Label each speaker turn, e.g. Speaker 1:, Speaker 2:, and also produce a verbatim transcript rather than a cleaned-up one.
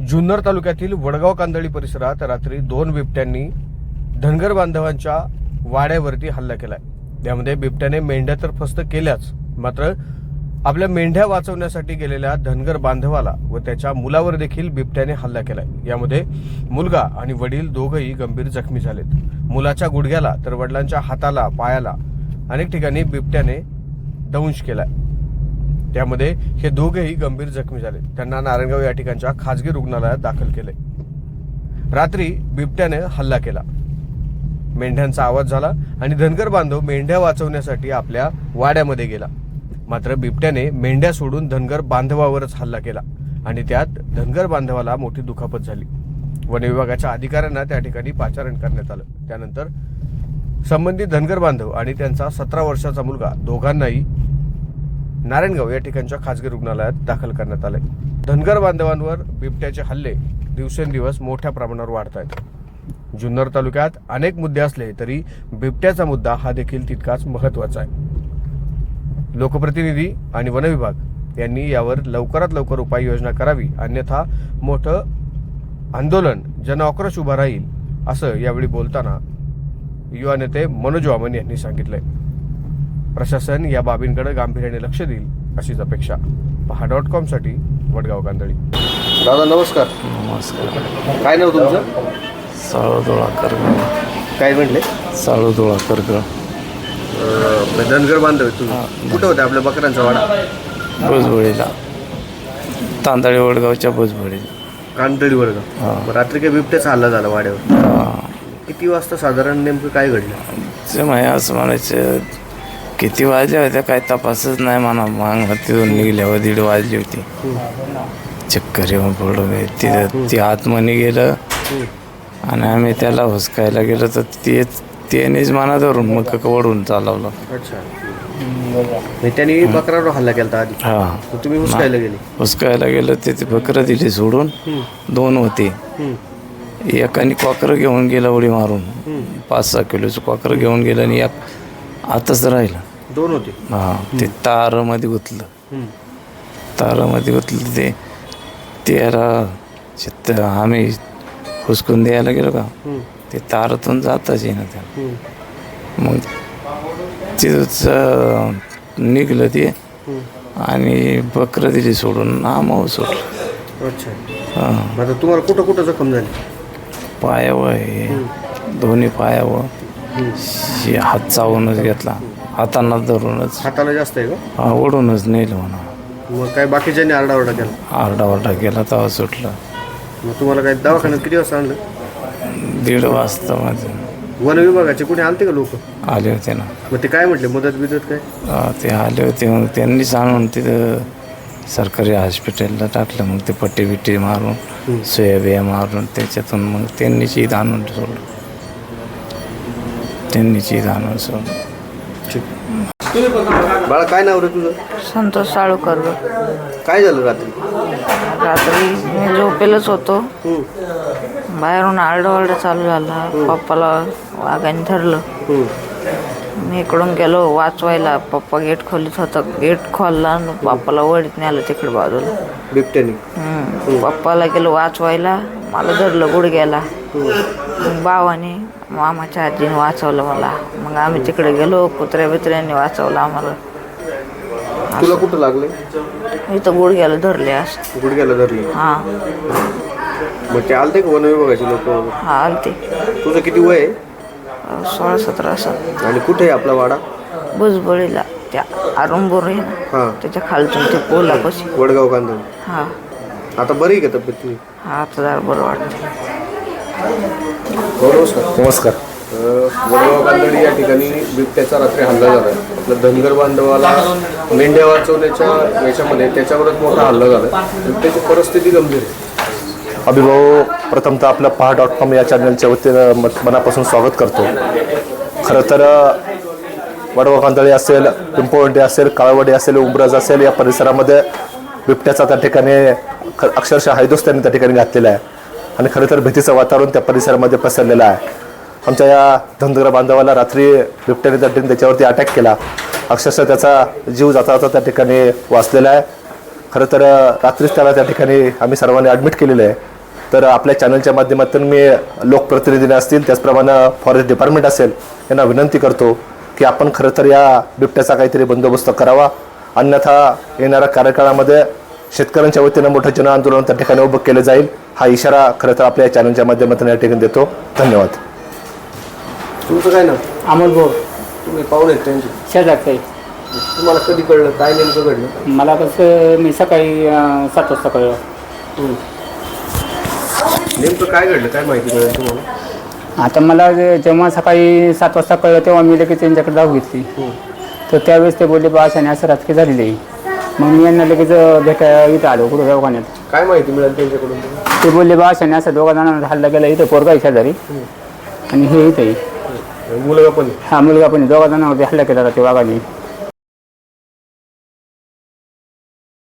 Speaker 1: जुन्नर तालुक्यातील वडगाव कांदळी परिसरात रात्री दोन बिबट्यांनी धनगर बांधवांच्या वाड्यावरती हल्ला केलाय। त्यामध्ये बिबट्याने मेंढ्या तर फस्त केल्याच, मात्र आपल्या मेंढ्या वाचवण्यासाठी गेलेल्या धनगर बांधवाला व त्याच्या मुलावर देखील बिबट्याने हल्ला केलाय। यामध्ये मुलगा आणि वडील दोघंही गंभीर जखमी झालेत। मुलाच्या गुडघ्याला तर वडिलांच्या हाताला पायाला अनेक ठिकाणी बिबट्याने दंश केलाय। त्यामध्ये हे दोघेही गंभीर जखमी झाले। त्यांना नारायणगाव या ठिकाणच्या खासगी रुग्णालयात दाखल केले। रात्री बिबट्याने हल्ला केला, मेंढ्यांचा आवाज झाला आणि धनगर बांधव मेंढ्या वाचवण्यासाठी आपल्या वाड्यामध्ये गेला। मात्र बिबट्याने मेंढ्या सोडून धनगर बांधवावरच हल्ला केला आणि त्यात धनगर बांधवाला मोठी दुखापत झाली। वन विभागाच्या अधिकाऱ्यांना त्या ठिकाणी पाचारण करण्यात आलं। त्यानंतर संबंधित धनगर बांधव आणि त्यांचा सतरा वर्षाचा मुलगा दोघांनाही नारायणगाव या ठिकाणच्या खासगी रुग्णालयात दाखल करण्यात आले। धनगर बांधवांवर बिबट्याचे हल्ले दिवसेंदिवस मोठ्या प्रमाणावर वाढत आहेत। जुन्नर तालुक्यात अनेक मुद्दे असले तरी बिबट्याचा मुद्दा हा देखील तितकाच महत्त्वाचा आहे। लोकप्रतिनिधी आणि वन विभाग यांनी यावर लवकरात लवकर उपाययोजना करावी, अन्यथा मोठं आंदोलन जनआक्रोश उभा राहील, असं यावेळी बोलताना युवा नेते मनोज वामन यांनी सांगितलंय। प्रशासन या बाबींकडे गांभीर्याने लक्ष देईल अशीच अपेक्षा। पहा डॉट कॉम साठी वडगाव कांदळी। दादा नमस्कार।
Speaker 2: नमस्कार।
Speaker 1: काय नाव तुमचं?
Speaker 2: साळुदोळा करगळ।
Speaker 1: काय म्हणले?
Speaker 2: साळुदोळा करगळ।
Speaker 1: धनगर बांधव तुम्ही कुठं होते? आपल्या बकरांचा वाडा
Speaker 2: भुजबळीला, तांदळी वडगावच्या भुजबळीला।
Speaker 1: कांदळी वडगाव। रात्री काय बिबट्याचा हल्ला झाला वाड्यावर? किती वाजता साधारण नेमकं काय घडलं?
Speaker 2: ते माय असं म्हणायचं किती वाजल्या होत्या काय तपासच नाही म्हणा। मांग तिथून निघल्यावर दीड वाजली होती। चक्कर येऊन पडलो मी तिथं। ती आतमध्ये गेलं आणि आम्ही त्याला हुसकायला गेलो तर ते त्यानेच मना धरून मग वडून चालवलं।
Speaker 1: अच्छा, त्यांनी बकरावर हल्ला केला आधी?
Speaker 2: हा।
Speaker 1: तुम्ही हुसकायला गेले?
Speaker 2: हुसकायला गेलो ते बकरं दिली सोडून। दोन होते, एकाने कॉकर घेऊन गेला उडी मारून, पाच सहा किलोचं कॉकर घेऊन गेलं आणि एक आताच राहिलं।
Speaker 1: दोन होते?
Speaker 2: हा। ते तारामध्ये गुतलं, तारामध्ये गुतलं ते त्याला चित्त आम्ही हुसकून द्यायला गेलो का ते तारातून जाताच येईना त्याला। मग तिथंच निघलं ते आणि बकरं दिली सोडून नामावर सोडलं।
Speaker 1: अच्छा। हां, तुम्हाला कुठं कुठं जखम झाली?
Speaker 2: पायावर आहे, दोन्ही पायावर। हात चावूनच घेतला, हातांना धरूनच।
Speaker 1: हाताला जास्त आहे का?
Speaker 2: हा, ओढूनच नेलं म्हणा।
Speaker 1: मग काय बाकीच्यांनी आरडाओरडा केला?
Speaker 2: आरडाओरडा केला तेव्हा सुटलं।
Speaker 1: मग तुम्हाला काय दवाखान्यात किती वाजता आणलं?
Speaker 2: दीड वाजता माझं।
Speaker 1: वन विभागाचे कुणी आलते का लोक?
Speaker 2: आले होते ना।
Speaker 1: मग ते काय म्हटले, मदत बिदत काय?
Speaker 2: हा, ते आले होते। मग त्यांनीच आणून तिथं सरकारी हॉस्पिटलला टाकलं। मग ते पट्टी बिट्टी मारून सुया बिया मारून त्याच्यातून मग त्यांनीच ईद आणून सोडलं। त्यांनीच ईद आणून सोडलं।
Speaker 1: बाळा काय नाव रे तुझं?
Speaker 3: संतोष साळुकर।
Speaker 1: काय झालं रात्री?
Speaker 3: रात्री मी झोपेलच होतो, बाहेरून आरडाओरडा चालू झाला। पप्पाला वाघाने धरलं। मी इकडून गेलो वाचवायला, पप्पा गेट खोलीत होता। गेट खोलला आणि पप्पाला वडीत नेलं तिकडे बाजूला
Speaker 1: बिबट्याने।
Speaker 3: पप्पाला गेलो वाचवायला, मला धरलं गुडघ्याला। मग भावाने मामाच्या आजीने वाचवलं मला। मग आम्ही तिकडे गेलो, कुत्र्या बित्र्यांनी वाचवलं आम्हाला।
Speaker 1: तुला कुठं लागले?
Speaker 3: इथं गुडघ्याला धरले असं।
Speaker 1: गुडघ्याला धरले?
Speaker 3: हां।
Speaker 1: मग ते आलते का वन विभागाचे लोक?
Speaker 3: हा, आलते।
Speaker 1: तुझं किती वय आहे?
Speaker 3: सोळा सतरा असं।
Speaker 1: आणि कुठे आहे आपला वाडा?
Speaker 3: भुजबळीला, त्या अरुंबोर आहे ना,
Speaker 1: हां,
Speaker 3: त्याच्या खालतून ते पोलापाशी।
Speaker 1: वडगाव कांदळी।
Speaker 3: हा।
Speaker 1: आता बरी आहे का तब्येत तुझी?
Speaker 3: हा, आता जरा बरं वाटतं।
Speaker 1: नमस्कार। वडगाव कांदळी या ठिकाणी बिबट्याचा रात्री हल्ला झाला। आपल्या धनगर बांधवाला मेंढ्या वाचवण्याच्या याच्यामध्ये त्याच्यावरच मोठा हल्ला झाला। बिबट्याची परिस्थिती गंभीर आहे।
Speaker 4: अभिभाऊ, प्रथमतः आपलं पहा डॉट कॉम या चॅनलच्या वतीनं मनापासून स्वागत करतो। खरं तर वडगाव कांदळी असेल, पिंपळवंडी असेल, काळवडी असेल, उंबरज असेल, या परिसरामध्ये बिबट्याचा त्या ठिकाणी अक्षरशः हैदोस त्यांनी त्या ठिकाणी घातलेला आहे आणि खरं तर भीतीचं वातावरण त्या परिसरामध्ये पसरलेलं आहे। आमच्या या धनगर बांधवाला रात्री बिबट्याने त्या ठिकाणी त्याच्यावरती अटॅक केला। अक्षरशः त्याचा जीव जाता जाता त्या ठिकाणी वाचलेला आहे। खरं तर रात्रीच त्याला त्या ठिकाणी आम्ही सर्वांनी ॲडमिट केलेलं आहे तर आपल्या चॅनलच्या माध्यमातून मी लोकप्रतिनिधी असतील त्याचप्रमाणे फॉरेस्ट डिपार्टमेंट असेल यांना विनंती करतो की आपण खरं तर या बिबट्याचा काहीतरी बंदोबस्त करावा, अन्यथा येणाऱ्या कार्यकाळामध्ये शेतकऱ्यांच्या वतीनं मोठं जन आंदोलन त्या ठिकाणी उभं केलं जाईल, हा इशारा खरं तर आपल्या चॅनलच्या माध्यमातून या ठिकाणी देतो. धन्यवाद.
Speaker 1: तुमचं काय नाव?
Speaker 5: अमोल भाऊ
Speaker 1: तुम्ही पाहुणे आहेत त्यांचे?
Speaker 5: शेजारचं आहे.
Speaker 1: तुम्हाला कधी कळलं, काय नेमकं घडलं?
Speaker 5: मला कसं मी सकाळी अं, सात वाजता कळलं.
Speaker 1: नेमकं काय घडलं, काय माहिती मिळेल तुम्हाला?
Speaker 5: आता मला जे- जेव्हा सकाळी सात वाजता कळलं तेव्हा मी लगेच त्यांच्याकडे धाव घेतली. तर त्यावेळेस ते बोलले बा अशाने असं राजकीय झालेलं आहे. मग मी यांना लगेच भेटायला इथं आलो कुठं दवाखान्यात.
Speaker 1: काय माहिती मिळेल त्यांच्याकडून?
Speaker 5: ते बोलले बा अशाने असं दोघा जणांना हल्ला गेला इथं पोरगा आहे शेजारी आणि हे इथं आहे.
Speaker 1: मुलगा पण
Speaker 5: हा मुलगा पण दोघा जणांवरती हल्ला केला होता ते वाघाने.